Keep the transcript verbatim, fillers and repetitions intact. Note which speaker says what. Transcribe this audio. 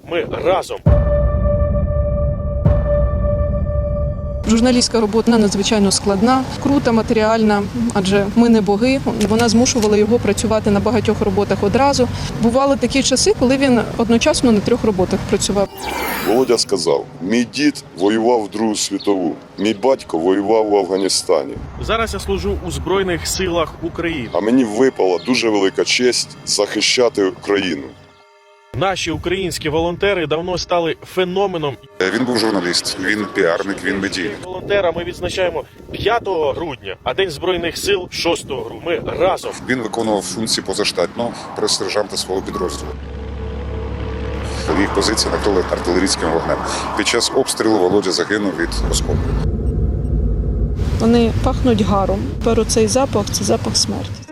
Speaker 1: Ми разом.
Speaker 2: Журналістська робота надзвичайно складна, крута, матеріальна, адже ми не боги. Вона змушувала його працювати на багатьох роботах одразу. Бували такі часи, коли він одночасно на трьох роботах працював.
Speaker 3: Володя сказав, мій дід воював в Другу світову, мій батько воював в Афганістані.
Speaker 1: Зараз я служу у Збройних силах України.
Speaker 3: А мені випала дуже велика честь захищати Україну.
Speaker 1: Наші українські волонтери давно стали феноменом.
Speaker 4: Він був журналіст, він піарник, він медійник.
Speaker 1: Волонтера ми відзначаємо п'ятого грудня, а День Збройних сил шостого грудня. Ми разом.
Speaker 4: Він виконував функції позаштатно прес-сержанта свого підрозділу. Їх позиції накрили артилерійським вогнем. Під час обстрілу Володя загинув від осколків.
Speaker 2: Вони пахнуть гаром. Тепер оцей запах – це запах смерті.